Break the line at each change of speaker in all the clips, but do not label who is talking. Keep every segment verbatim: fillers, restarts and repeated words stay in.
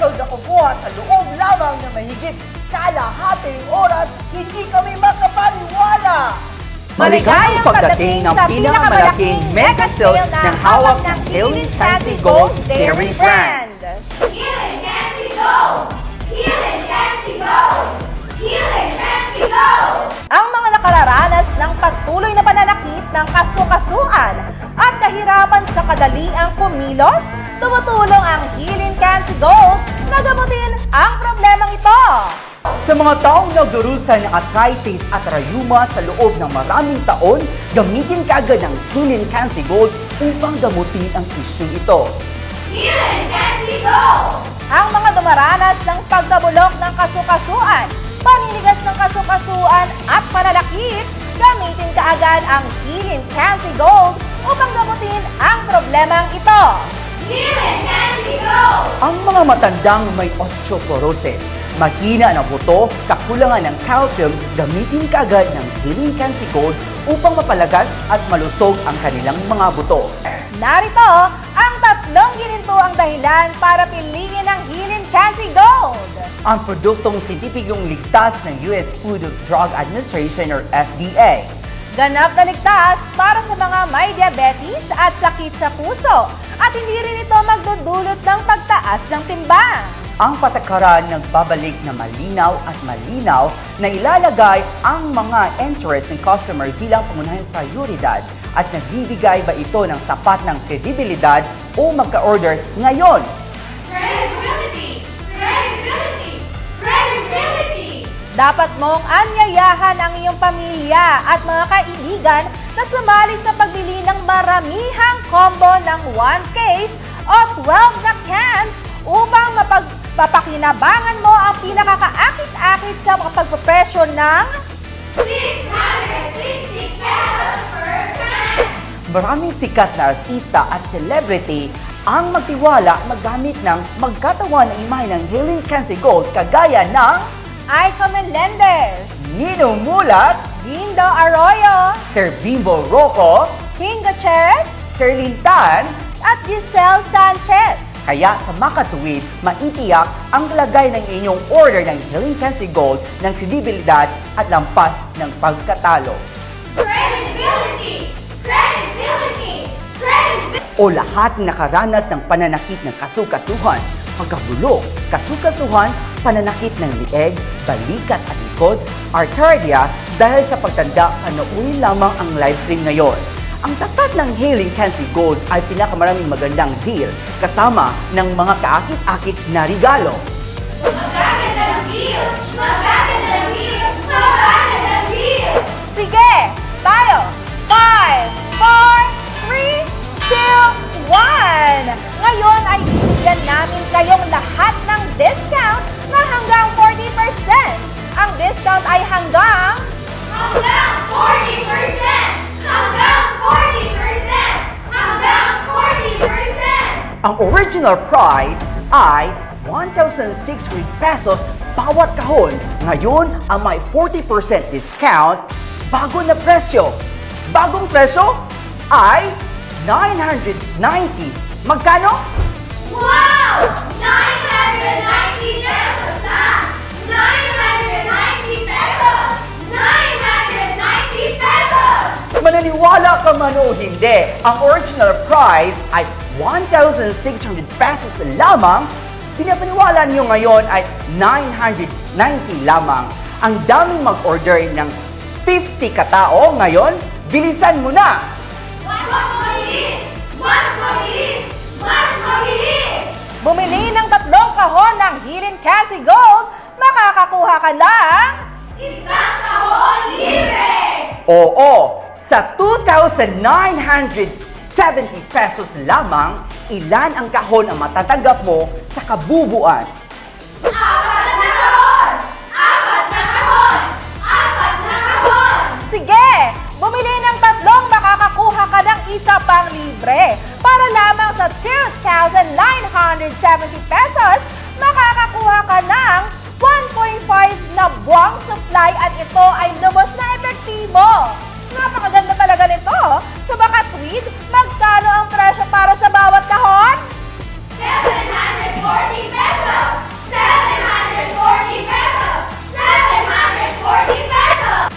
pesos na kukuha sa loob lamang na mahigit kalahating oras, hindi kami makapaniwala!
Maligayang pagdating ng pinakamalaking mega sale ng hawak ng Healing Fancy Gold Dairy Brand.
Healing Fancy Gold! Healing Fancy Gold! Healing Fancy Gold!
Ang mga nakararanas ng patuloy na pananakit ng kasukasuan at kahirapan sa kadaliang kumilos, tumutulong ang Healing Fancy Gold na gamutin ang problemang ito.
Sa mga taong nagdurusan ng arthritis at rayuma sa loob ng maraming taon, gamitin kaagad ang Healing Fancy Gold upang gamutin ang isyung ito.
Healing Fancy Gold!
Ang mga dumaranas ng pagkabulok ng kasukasuan, paninigas ng kasukasuan at pananakit, gamitin kaagad ang Healing Fancy Gold upang gamutin ang problemang ito.
Healing Fancy Gold!
Ang mga matandang may osteoporosis, mahina ng buto, kakulangan ng calcium, gamitin kaagad ng Healing Fancy Gold upang mapalagas at malusog ang kanilang mga buto.
Narito ang tatlong ginintuang dahilan para piliin ang Healing Fancy Gold.
Ang produktong sintipigong ligtas ng U S Food and Drug Administration or F D A.
Ganap na ligtas para sa mga may diabetes at sakit sa puso at hindi rin ito magdudulot ng pagtaas ng timbang.
Ang patakaran nagbabalik na malinaw at malinaw na ilalagay ang mga interest ng customer bilang pangunahing prioridad at nagbibigay ba ito ng sapat ng kredibilidad o magka-order ngayon.
Credibility! Credibility! Credibility!
Dapat mong anyayahan ang iyong pamilya at mga kaibigan na sumali sa pagbili ng maramihang combo ng one case o twelve na cans upang mapagpapakinabangan mo ang pinakakaakit-akit sa pagpapresyo ng
six hundred sixty pesos per can!
Maraming sikat na artista at celebrity ang magtiwala magamit ng magkatawan ng imahe ng Healing Fancy Gold kagaya ng
Aika Melendez,
Nino Mulat,
Dindo Arroyo,
Sir Bimbo Rocco,
King Gutierrez,
Sir Lintan.
at Giselle Sanchez.
Kaya sa makatuwid, maitiyak ang lagay ng inyong order ng Healing Fancy Gold ng kredibilidad at lampas ng pagkatalo.
Credibility! Credibility! Credibility!
O lahat na nakaranas ng pananakit ng kasukasuhan, pagkabulok, kasukasuhan, pananakit ng lieg, balikat at likod, arterya dahil sa pagtanda, panoorin lamang ang live stream ngayon. Ang tatat ng Healing Fancy Gold ay pinakamaraming magandang deal kasama ng mga kaakit-akit na regalo.
Magaganda ng deal! Magaganda ng deal! Magaganda ng deal!
Sige, tayo! five, four, three, two, one! Ngayon ay bibigyan namin kayong lahat ng discount na hanggang forty percent. Ang discount ay hanggang
Hanggang forty percent! Hanggang forty percent! Hanggang forty percent!
Ang original price ay one thousand six hundred pesos bawat kahon. Ngayon, ang may forty percent discount, bago na presyo. Bagong presyo ay nine hundred ninety. Magkano?
Wow! nine hundred ninety pesos na! nine hundred ninety pesos! nine hundred ninety pesos!
Mananiwala ka man o hindi, ang original price ay one thousand six hundred pesos lamang. Pinapaniwala niyo ngayon ay nine hundred ninety lamang. Ang daming mag-order ng fifty katao ngayon, bilisan mo na!
Mas mabilis! Mas mabilis! Mas mabilis!
bumili ng tatlong kahon ng Healing Fancy Gold, makakakuha ka ng
Isang kahon libre!
Oo, sa two thousand nine hundred seventy pesos lamang, ilan ang kahon ang matatanggap mo sa kabubuan?
Apat na kahon! Apat na kahon! Apat na kahon!
Sige! Bumili ng tatlong makakakuha ka ng isa pang libre. Para lamang sa two thousand nine hundred seventy pesos, makakakuha ka ng one point five na buwang supply at ito ay lubos na epektibo. Napakaganda talaga nito. Sa baka tweet, magkano ang presyo para sa bawat kahon?
seven hundred forty pesos!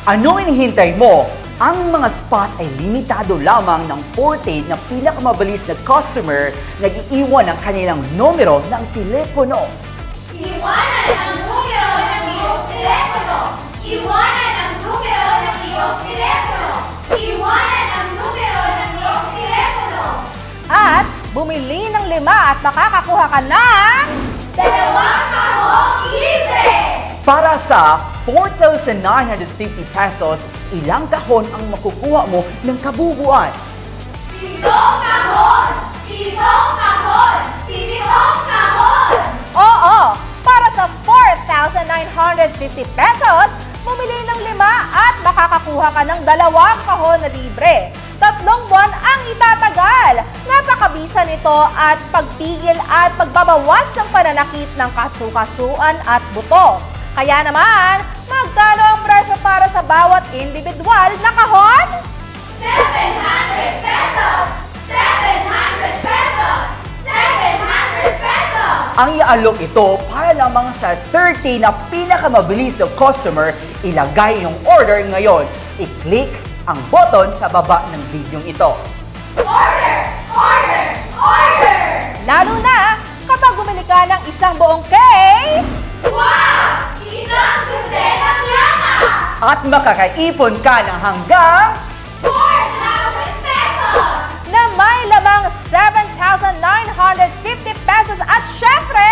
Ano hinihintay mo? Ang mga spot ay limitado lamang ng forte na pinakamabilis na customer nag-iiwan ng kanilang numero ng telepono.
Iwanan ang numero ng iyong telepono. Iwanan ang numero ng iyong telepono. Iwanan ang numero ng iyong telepono.
At bumili ng lima at makakakuha ka ng...
Dalawang kahong libre!
Para sa four thousand nine hundred fifty pesos, ilang kahon ang makukuha mo ng kabubuan?
Pitong kahon! Pitong kahon! Pitong kahon!
Oo, para sa four thousand nine hundred fifty pesos, bumili ng lima at makakakuha ka ng dalawang kahon na libre. Tatlong buwan ang itatagal. Napakabisa nito at pagpigil at pagbabawas ng pananakit ng kasukasuan at buto. Kaya naman, magkano ang presyo para sa bawat individual na kahon?
seven hundred pesos! seven hundred pesos! seven hundred pesos!
Ang iaalok ito para lamang sa thirty na pinakamabilis na customer. Ilagay yung order ngayon. I-click ang button sa baba ng video ito.
Order! Order! Order!
Lalo na kapag bumili ka ng isang buong case
Wow! Isang dosenang lana!
At makakaipon ka ng hanggang
four thousand pesos!
na may lamang seven thousand nine hundred fifty pesos at syempre,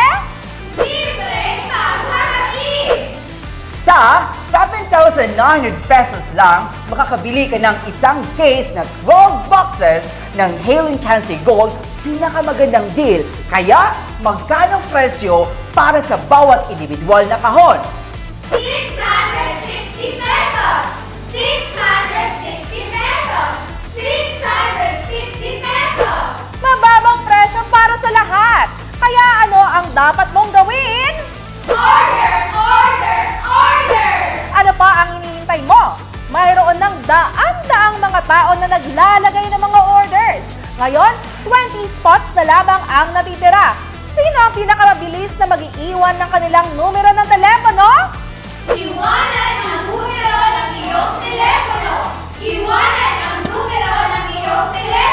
Libre paghahatid!
sa seven thousand nine hundred pesos lang, makakabili ka ng isang case na twelve boxes ng Halen Cancy Gold. Pinakamagandang deal. Kaya, magkano presyo para sa bawat individual na kahon?
six hundred sixty pesos! six hundred sixty pesos! six hundred sixty pesos!
mababang presyo para sa lahat. Kaya ano ang dapat mong gawin?
Order! Order! Order!
Ano pa ang hinihintay mo? Mayroon ng daan-daang mga tao na naglalagay ng mga orders. Ngayon, twenty spots na lamang ang natitira. Sino ang pinakamabilis na mag-iiwan ng kanilang numero ng telepono?
Iwanan ang numero ng iyong telepono! Iwanan ang numero ng iyong telepono!